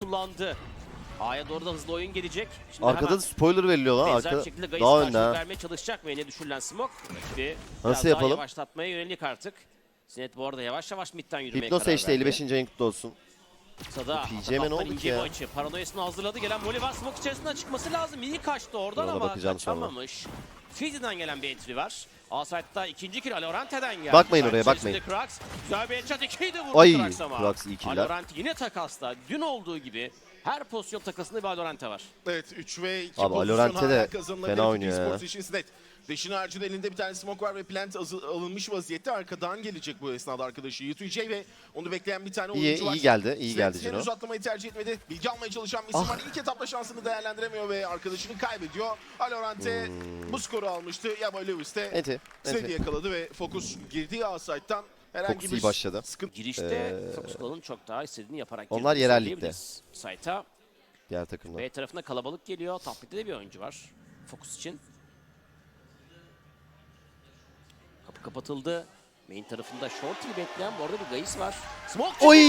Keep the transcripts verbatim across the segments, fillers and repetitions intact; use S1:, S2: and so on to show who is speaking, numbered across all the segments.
S1: kullandı. A'ya doğru da hızlı oyun gelecek. Şimdi
S2: Arkada da spoiler veriliyor lan.
S1: benzer
S2: Arka...
S1: şekilde Gayis
S2: Daha
S1: karşılık
S2: önde.
S1: vermeye çalışacak mı? Yine düşürülen smoke. Rakibi
S2: Nasıl
S1: biraz
S2: yapalım?
S1: daha yavaşlatmaya yönelik artık. Sinet bu arada yavaş yavaş midden yürümeye
S2: Hypnos
S1: karar
S2: H'de
S1: verdi.
S2: elli beşinci ayın kutlu olsun.
S1: Sada,
S2: P G M ne oldu ki ya?
S1: Maçı. Paranoyasını hazırladı. Gelen Molly var. Smoke içerisinden çıkması lazım. İyi kaçtı oradan
S2: Ona
S1: ama
S2: bakacağım sonra.
S1: kaçamamış. Fizi'den gelen bir entry var. A-Side'da ikinci kill Alorante'den geldi.
S2: Bakmayın
S1: Side
S2: oraya,
S1: içerisinde
S2: bakmayın.
S1: Krax. Güzel bir headshot. ikiyi de vurdu
S2: Ay,
S1: Krax ama.
S2: Krax iyi killer.
S1: Alorante yine takasla. Dün olduğu gibi her pozisyon takasında bir Alorante var.
S3: Evet üç ve iki
S2: Abi,
S3: pozisyon
S2: Alorante
S3: hala
S2: de
S3: kazanılabilir.
S2: fena oynuyor ya.
S3: Sports için Sinet. Deşin harcında elinde bir tane smoke var ve plant alınmış vaziyette. Arkadan gelecek bu esnada arkadaşı Y iki J ve onu bekleyen bir tane
S2: İyi,
S3: oyuncu var.
S2: iyi geldi, iyi
S3: Sinet
S2: geldi
S3: henüz
S2: Cino.
S3: atlamayı tercih etmedi. Bilgi almaya çalışan bir isim
S2: Ah.
S3: var. İlk etapta şansını değerlendiremiyor ve arkadaşını kaybediyor. Alorante
S2: Hmm.
S3: bu skoru almıştı. Yaba Lewis de
S2: Enti,
S3: Sinet'i
S2: enti.
S3: yakaladı ve Fokus girdiği A-Side'dan herhangi
S2: Fokus
S3: bir
S2: iyi başladı.
S3: sıkıntı.
S1: Girişte
S2: Ee,
S1: Focus Call'ın çok daha istediğini yaparak
S2: onlar
S1: girdiğini
S2: yerel ligde.
S1: söyleyebiliriz. Site'a
S2: Diğer takımda.
S1: B tarafında kalabalık geliyor. Top mid'de de bir oyuncu var. Focus için. Kapı kapatıldı. Main tarafında Shorty'yi bekleyen bu arada bir Gayis var. Smoke
S2: Oy!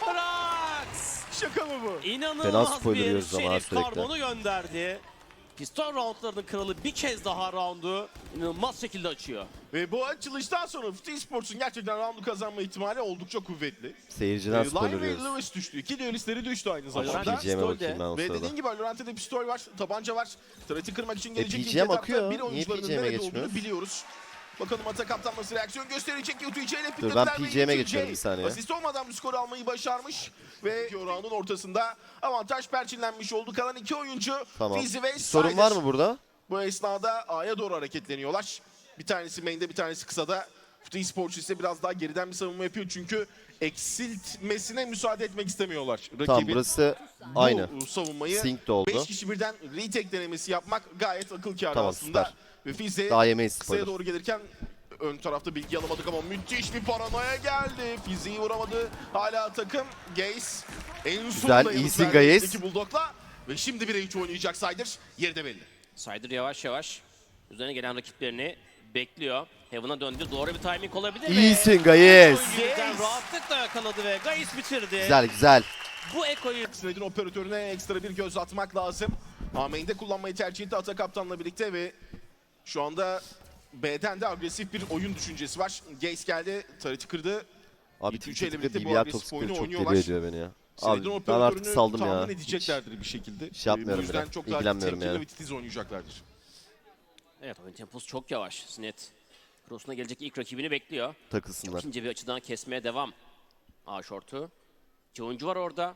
S1: Krax!
S3: Şaka mı bu?
S2: Fena
S1: İnanılmaz
S2: spoiler
S1: bir
S2: yiyoruz ama
S1: Şerif
S2: sürekli.
S1: Karbon'u gönderdi. Piston roundlarının kralı bir kez daha roundu inanılmaz şekilde açıyor.
S3: Ve bu açılıştan sonra Futi Sports'un gerçekten roundu kazanma ihtimali oldukça kuvvetli.
S2: Seyirciden
S3: Ee,
S2: spoiler
S3: Lion ve
S2: yiyoruz.
S3: Lewis düştü. İki duelistleri düştü aynı
S1: Valorant
S3: zamanda.
S2: P G M'e
S1: pistol
S2: bakayım ben o
S3: Ve
S2: sırada.
S3: dediğin gibi Valorant'te pistol var, tabanca var. Turret'i kırmak için gelecek
S2: P
S3: ilk
S2: G M
S3: etapta
S2: akıyor.
S3: bir
S2: Niye
S3: oyuncularının
S2: P G M'e
S3: nerede
S2: geçmiyoruz?
S3: olduğunu biliyoruz. Bakalım Ata Kaptan nasıl reaksiyon gösterecek. Y iki J ile
S2: Dur, ben P G M'e geçiyorum bir saniye.
S3: Asist olmadan bu skoru almayı başarmış. Ve round'un ortasında avantaj perçinlenmiş oldu. Kalan iki oyuncu
S2: Tamam.
S3: Fizi ve
S2: Bir sorun
S3: Sider.
S2: var mı burada?
S3: Bu esnada A'ya doğru hareketleniyorlar. Bir tanesi main'de, bir tanesi kısada. Futi Sports ise biraz daha geriden bir savunma yapıyor çünkü eksiltmesine müsaade etmek istemiyorlar. Rakibin
S2: Tamam, burası aynı.
S3: bu savunmayı
S2: Sync de oldu.
S3: beş kişi birden retake denemesi yapmak gayet akıl kârı
S2: Tamam,
S3: aslında.
S2: süper.
S3: Ve Fizi
S2: Daha yemeyiz
S3: kısaya
S2: spoiler.
S3: doğru gelirken ön tarafta bilgi alamadık ama müthiş bir paranoya geldi. Fizi'yi vuramadı. Hala takım Gaze en sonunda
S2: iyisin
S3: yanıt verdi
S2: Gaze.
S3: elindeki Bulldog'la. Ve şimdi bire üç oynayacak Sider. Yeri de belli.
S1: Sider yavaş yavaş üzerine gelen rakiplerini bekliyor. Heaven'a döndü. Doğru bir timing olabilir mi?
S2: İyisin Gayes.
S1: Oyuncudan rahatlıkla yakaladı ve Gayis bitirdi.
S2: Güzel güzel.
S1: Bu ekoyu
S3: Sined'in operatörüne ekstra bir göz atmak lazım. A-Main'de kullanmayı tercih etti Ata Kaptan'la birlikte ve şu anda B'den de agresif bir oyun düşüncesi var. Gaze geldi, turret'i kırdı.
S2: Abi
S3: İki, üç
S2: Twitter'da
S3: ile birlikte bu
S2: B B R
S3: agresif
S2: toksikleri
S3: oyunu
S2: çok
S3: oynuyorlar.
S2: deli ediyor beni ya.
S3: Sined'in
S2: Abi ben
S3: operatörünü
S2: artık saldım ya.
S3: tahmin edeceklerdir bir şekilde.
S2: Şey yapmıyorum
S3: Bu yüzden
S2: bile.
S3: çok daha
S2: İlgilenmiyorum
S3: temkinli
S2: yani.
S3: ve titiz oynayacaklardır.
S1: Evet, oyun temposu çok yavaş. Sinet cross'una gelecek ilk rakibini bekliyor.
S2: Takılsınlar.
S1: Çok ince bir açıdan kesmeye devam. A short'u. İki oyuncu var orada.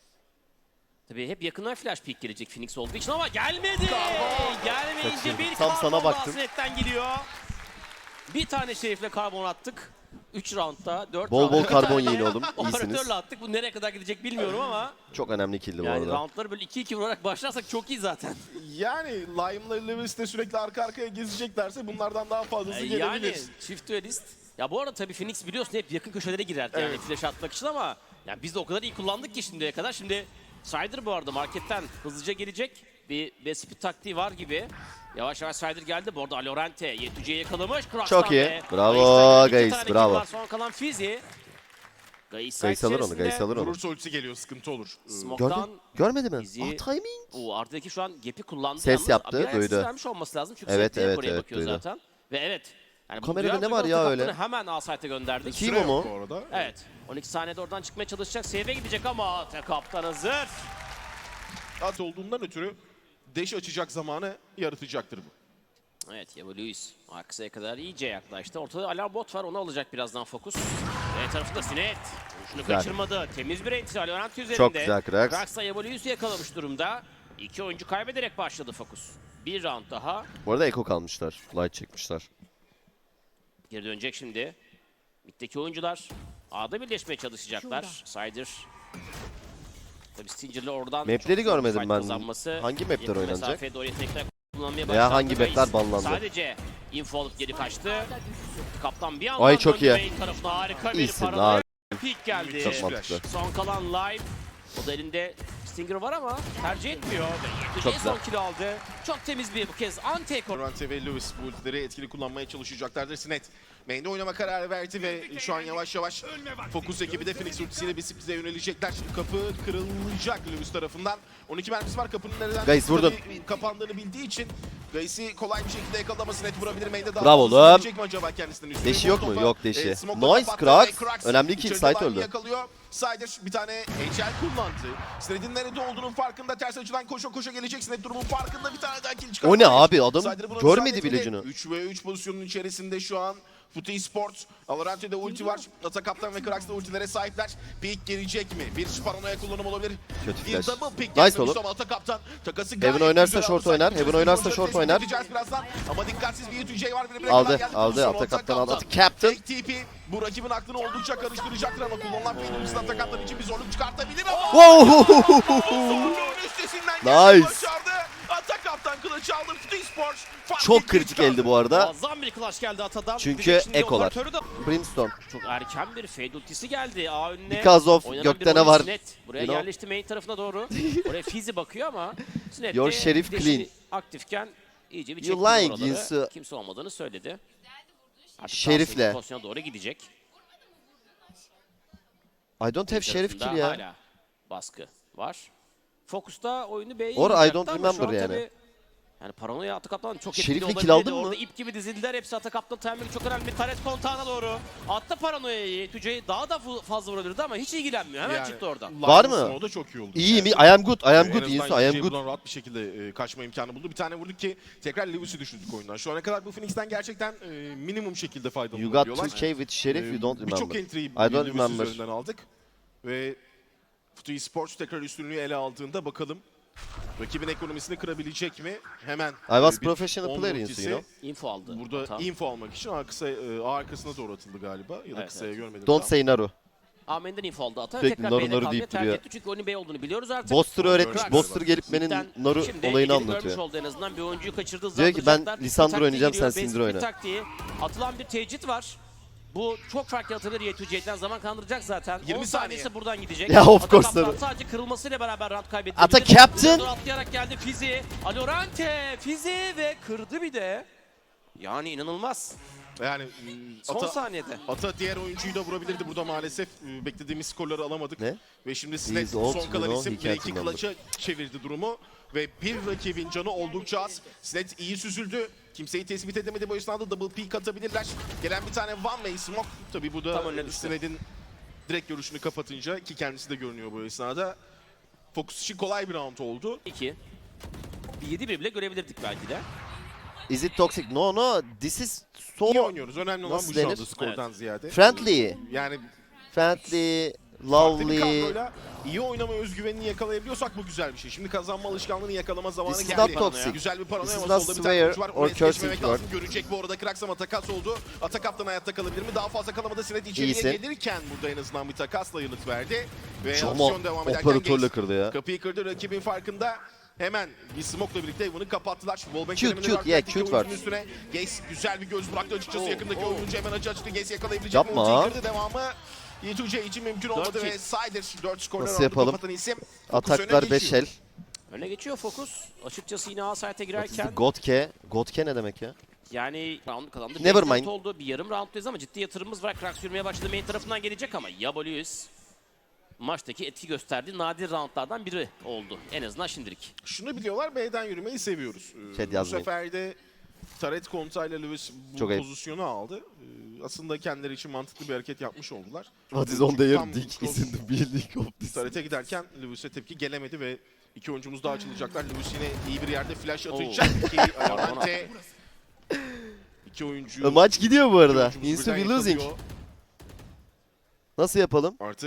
S1: Tabii hep yakından flash peek gelecek Phoenix olduğu için ama gelmedi. Gelmeyince
S2: Kaçırdım.
S1: bir
S2: Tam
S1: karbon
S2: sana
S1: daha
S2: baktım.
S1: Sinet'ten geliyor. Bir tane Şerif'le karbon attık. üç roundda, dört
S2: Bol bol
S1: roundda.
S2: karbon
S1: Bir tane
S2: yiyin oğlum. İyisiniz.
S1: Operatörle attık. Bu nereye kadar gidecek bilmiyorum ama.
S2: Çok önemli killdi bu
S1: Yani
S2: arada.
S1: roundları böyle iki iki vurarak başlarsak çok iyi zaten.
S3: Yani Lime'la Lewis de sürekli arka arkaya gezeceklerse bunlardan daha fazlası gelebilir.
S1: Yani çift duelist. Ya bu arada tabii Phoenix biliyorsun hep yakın köşelere girerdi yani
S3: Evet.
S1: flash atmak için ama yani biz de o kadar iyi kullandık ki şimdiye kadar. Şimdi Sider bu arada marketten hızlıca gelecek. Bir best speed taktiği var gibi. Yavaş yavaş Sider geldi. Bu arada Alorante Y iki J'yi yakalamış. Cross'tan
S2: Çok iyi.
S1: ve
S2: Bravo,
S1: Gais'ten iki
S2: Gais,
S1: tane kill
S2: bravo.
S1: var. Son kalan Fizi. Gais
S2: Gayes alır onu, Gayes alır onu.
S3: Vurursa ultisi geliyor, sıkıntı olur.
S2: Gördün?
S1: Smoke'dan
S2: Görmedi mi?
S1: Bizi-
S2: Ah timing.
S1: o arkadaki şu an gap'i kullandı.
S2: Ses
S1: yalnız.
S2: yaptı,
S1: Bir ayaksız
S2: duydu.
S1: vermiş olması lazım çünkü
S2: Evet,
S1: sürekli
S2: evet,
S1: buraya
S2: evet,
S1: bakıyor
S2: duydu.
S1: zaten. Ve evet. Yani bu
S2: Kamerada
S1: duyar
S2: ne var
S1: duymaz
S2: ya
S1: Ata
S2: öyle?
S1: Kaptan'ı hemen A-Site'e gönderdik.
S2: Kim
S3: Süre
S2: o
S3: yok
S2: mu?
S3: bu arada.
S1: Evet. on iki saniyede oradan çıkmaya çalışacak. Save'e gidecek ama Ata Kaptan hazır.
S3: At olduğundan ötürü dash açacak zamanı yaratacaktır bu.
S1: Evet, Yabo Lewis arkasına kadar iyice yaklaştı. Ortada alarm bot var, onu alacak birazdan Fokus. B tarafında Sinet. Şunu
S2: Güzel.
S1: kaçırmadı. Temiz bir entry Alorant üzerinde.
S2: Çok güzel Krax.
S1: Krax da Yabo Lewis'i yakalamış durumda. İki oyuncu kaybederek başladı Fokus. Bir round daha.
S2: Bu arada Eko kalmışlar. Light çekmişler.
S1: Geri dönecek şimdi. Mid'deki oyuncular A'da birleşmeye çalışacaklar. Sider. Tabii Stinger'le oradan
S2: Map'leri
S1: çok
S2: görmedim
S1: fight
S2: ben.
S1: kazanması.
S2: Hangi map'ler
S1: Yakın
S2: oynanacak?
S1: mesafeye doğru yetenekler kullanmaya
S2: Veya
S1: başlandı.
S2: hangi
S1: Reis
S2: map'ler banlandı?
S1: Sadece info alıp geri kaçtı. Kaptan bir anda
S2: Ay, çok iyi.
S1: main tarafına harika bir
S2: İyisin
S1: paranoya
S2: abi.
S1: peek geldi.
S2: Çok mantıklı.
S1: Son kalan live. O da elinde Stinger var ama tercih etmiyor. Ve
S2: Çok
S1: en
S2: güzel.
S1: son kill aldı. Çok temiz bir bu kez anti-ekor.
S3: Valorant ve Lewis bu ultileri etkili kullanmaya çalışacaklardır. Sinet Main'de oynama kararı verdi ve şu an yavaş yavaş Focus ekibi de Phoenix ultisiyle bir sürprize yönelecekler. Kapı kırılacak Lewis tarafından. on iki mermisi var kapının nereden
S2: Guys, vurdun.
S3: tabii kapandığını bildiği için Gays'i kolay bir şekilde yakalaması net vurabilir. Main'de daha
S2: Bravo
S3: fazla
S2: oğlum.
S3: sürecek mi acaba kendisinden üstüne?
S2: Deşi yok mu?
S3: Molotof'a,
S2: Yok deşi.
S3: e, smoke'la
S2: Nice,
S3: kapattı ve
S2: Krax. Önemli ki
S3: içeride
S2: site
S3: line'ı
S2: öldü.
S3: yakalıyor. Sider bir tane H L kullandı. Sned'in nerede olduğunun farkında. Ters açıdan koşa koşa gelecek. Sned durumun farkında bir tane daha kill çıkartıyor.
S2: O ne abi? Adam
S3: Sider buna
S2: görmedi
S3: müsaade
S2: bile
S3: etmedi.
S2: ucunu.
S3: üç ve üç pozisyonun içerisinde şu an Futi Sports. Alarante'de ulti var. Atakaptan ve Krax da ultilere sahipler. Peek gelecek mi? Bir paranoya kullanım olabilir.
S2: Kötü
S3: Bir
S2: flash.
S3: double pick
S2: Nice
S3: gelmemiş
S2: oğlum.
S3: ama Atakaptan takası
S2: Heaven
S3: gayet
S2: oynarsa
S3: güzel
S2: short
S3: aldı.
S2: oynar,
S3: Sanki
S2: Heaven
S3: çözüm
S2: oynarsa
S3: bulacak.
S2: short
S3: Tespit
S2: oynar.
S3: edeceğiz birazdan. Ama dikkatsiz bir Y two J var. Birbirine
S2: Aldı,
S3: kadar geldi.
S2: aldı.
S3: Sonra
S2: Atakaptan aldı.
S3: Atakaptan.
S2: Captain.
S3: Tek T P bu rakibin aklını oldukça karıştıracaktır ama kullanılan Phoenix'in Atakaptan için bir zorluk çıkartabilir ama
S2: Wow!
S3: zorluğun üstesinden gelmeyi
S2: Nice.
S3: başardı. Atakaptan kılıç aldı. Futi Sports fark
S2: Çok
S3: etmeyi
S2: kritik
S3: çıkardı.
S2: eldi bu arada.
S1: Muazzam bir clutch geldi Atadan.
S2: Çünkü
S1: Bir de şimdi
S2: ekolar.
S1: operatörü de-
S2: Brimstone.
S1: Çok erken bir fade ultisi geldi. A önüne.
S2: Because of
S1: oynanan
S2: gökte
S1: bir
S2: ne
S1: oyun
S2: var?
S1: Sinet. Buraya
S2: You know?
S1: yerleşti main tarafına doğru. Oraya Fizi bakıyor ama Sinet
S2: Your
S1: de
S2: sheriff
S1: deşi
S2: clean.
S1: aktifken iyice bir
S2: You
S1: çekti
S2: lying,
S1: oraları.
S2: Yinsu.
S1: Kimse olmadığını söyledi. Artık
S2: Şerifle.
S1: daha sonra pozisyona doğru gidecek.
S2: I don't have sheriff
S1: Tarafında
S2: kill ya.
S1: Hala baskı var. Fokus'ta oyunu B'ye
S2: Or I
S1: yiyecekti
S2: don't
S1: ama şu
S2: remember
S1: an
S2: yani.
S1: tabii- Yani paranoya Atakaptan çok
S2: Şerif'le
S1: etkili
S2: kill
S1: olabilirdi.
S2: aldın mı?
S1: Orada ip gibi dizildiler. Hepsi Atakaptan timing çok önemli. Taret kontağına doğru. Attı paranoyayı. Tüce'yi daha da fu- fazla vurabilirdi ama hiç ilgilenmiyor. Hemen
S3: Yani
S1: çıktı oradan.
S3: Line'ın
S2: Var mı?
S3: smoke'u da çok iyi oldu.
S2: İyi mi? I
S3: Yani.
S2: am good. I am
S3: En
S2: good.
S3: azından
S2: Yinsu, I am
S3: J
S2: good.
S3: buradan rahat bir şekilde e, kaçma imkanı buldu. Bir tane vurduk ki tekrar Lewis'i düşürdük oyundan. Şu ana kadar bu Phoenix'ten gerçekten e, minimum şekilde
S2: You got
S3: faydalanabiliyorlar.
S2: two K with sheriff, you don't
S3: E, Birçok
S2: remember.
S3: entry'yi
S2: I don't
S3: Lewis'in
S2: remember.
S3: üzerinden aldık. Ve Futu Sports tekrar üstünlüğü ele aldığında bakalım rakibin ekonomisini kırabilecek mi? Hemen
S2: I was
S3: e, bir
S2: professional
S3: on
S2: player,
S3: ultisi.
S2: you know.
S1: Info aldı.
S3: Burada
S1: Ata.
S3: info almak için arkası, e, arkasına doğru atıldı galiba. Ya da
S1: Evet,
S3: kısaya
S1: evet.
S3: görmedim.
S2: Don't
S3: daha.
S2: say Naru.
S1: Amen'den info aldı Ata.
S2: Sürekli
S1: Tekrar
S2: naru
S1: B'de
S2: naru
S1: kalmayı
S2: deyip
S1: tercih
S2: duruyor.
S1: etti. Çünkü onun B olduğunu biliyoruz artık.
S2: Boster öğretmiş.
S3: Krax.
S2: Boster gelip benim
S1: Cidden
S2: Naru
S1: şimdi
S2: olayını
S1: elini görmüş
S2: anlatıyor.
S1: oldu en azından. Bir oyuncuyu kaçırdığı
S2: Diyor ki, ben
S1: hızlandıracaklar.
S2: Lisandro
S1: Taktiği
S2: oynayacağım,
S1: giriyor,
S2: sen
S1: basic
S2: Syndra
S1: bir
S2: oyna.
S1: taktiği. Atılan bir tecrit var. Bu çok fark yaratabilir Y two J'den zaman kandıracak zaten.
S3: yirmi
S1: on
S3: saniye.
S1: saniyesi buradan gidecek.
S2: Ya, of
S1: Ata
S2: course
S1: kaptan
S2: tabii.
S1: sadece kırılmasıyla beraber round kaybetti.
S2: Ata captain.
S1: Atlayarak geldi Fizi. Alorante, Fizi ve kırdı bir de. Yani inanılmaz.
S3: Yani e,
S1: Son
S3: Ata,
S1: saniyede.
S3: Ata diğer oyuncuyu da vurabilirdi. Burada maalesef e, beklediğimiz skorları alamadık.
S2: Ne?
S3: Ve şimdi
S2: He
S3: Sned
S2: is old,
S3: son kalan
S2: you know,
S3: isim
S2: he can't
S3: bir iki
S2: remember.
S3: clutch'a çevirdi durumu. Ve bir rakibin canı oldukça az. Sned iyi süzüldü. Kimseyi tespit edemedi bu esnada double peek atabilirler. Gelen bir tane one way smoke. Tabii bu
S1: Tam
S3: da
S1: önüne düştü.
S3: Sned'in direkt görüşünü kapatınca ki kendisi de görünüyor bu esnada. Focus için kolay bir round oldu.
S1: iki. Bir yedi bir bile görebilirdik belki de.
S2: Is it toxic? No no. This is
S3: İyi
S2: so
S3: oynuyoruz. Önemli olan
S2: Nasıl
S3: bu şu anda
S2: denir?
S3: skordan ziyade.
S2: friendly.
S3: Yani
S2: Friendly.
S3: farklı bir
S2: Lovely.
S3: kadroyla iyi oynama özgüvenini yakalayabiliyorsak bu güzel bir şey. Şimdi kazanma alışkanlığını yakalama zamanı
S2: This is
S3: geldi.
S2: not toxic.
S3: Güzel bir paranoya
S2: This is
S3: var.
S2: not
S3: Solda bir tane
S2: swear
S3: oyuncu var.
S2: or
S3: Oraya
S2: cursing
S3: geçmemek
S2: word.
S3: lazım. Görecek bu arada Krax ama takas oldu. Atakaptan hayatta kalabilir mi? Daha fazla kalamadı. Sinet içeriye
S2: İyisin.
S3: gelirken burada en azından bir takasla yanıt verdi. Ve
S2: Ama
S3: aksiyon devam ederken
S2: operatörle
S3: Gaze
S2: kırdı ya.
S3: kapıyı kırdı. Rakibin farkında. Hemen bir smoke'la birlikte bunu kapattılar. Wallbang
S2: Cute,
S3: döneminde
S2: cute,
S3: var.
S2: yeah,
S3: İki
S2: cute
S3: oyuncunun
S2: var.
S3: Üstüne Gaze güzel bir göz bıraktı açıkçası.
S1: Oh,
S3: Yakındaki
S1: oh.
S3: oyuncu hemen açı açtı. Gaze yakalayabilecek mi?
S2: Yapma.
S3: Ultiyi kırdı. Devamı Y two J için mümkün olmadı
S1: kill.
S3: ve Sider dört skorlar
S2: Nasıl
S3: aldı.
S2: yapalım?
S3: Kapatan isim. Focus
S2: Ataklar
S3: öne
S2: beş
S3: geçiyor.
S2: el.
S1: Öne geçiyor Focus. Açıkçası yine A site'e
S2: What is
S1: girerken
S2: the Godke? Godke ne demek ya?
S1: yani round kazandı.
S2: Never
S1: Beş dört
S2: mind.
S1: oldu. Bir yarım rounddayız ama ciddi yatırımımız var. Krax yürümeye başladı. Main tarafından gelecek ama Yabolius maçtaki etki gösterdiği nadir roundlardan biri oldu. En azından şimdilik.
S3: Şunu biliyorlar, B'den yürümeyi seviyoruz. Ee,
S2: Chat
S3: bu
S2: yazmayın.
S3: sefer de Taret kontayla Lewis bu
S2: Çok ayıp.
S3: pozisyonu aldı. Ee, aslında kendileri için mantıklı bir hareket yapmış oldular.
S2: What is
S3: Çünkü
S2: on their
S3: tam
S2: dick
S3: cross-
S2: is in the building of this.
S3: Taret'e giderken Lewis'e tepki gelemedi ve iki oyuncumuz daha açılacaklar. Lewis yine iyi bir yerde flash
S1: Oo.
S3: atacak ki Alorante iki oyuncu
S2: E, Maç gidiyor bu arada.
S3: oyuncumuz
S2: Insu
S3: birden
S2: we losing.
S3: yakalıyor.
S2: Nasıl yapalım?
S3: Artık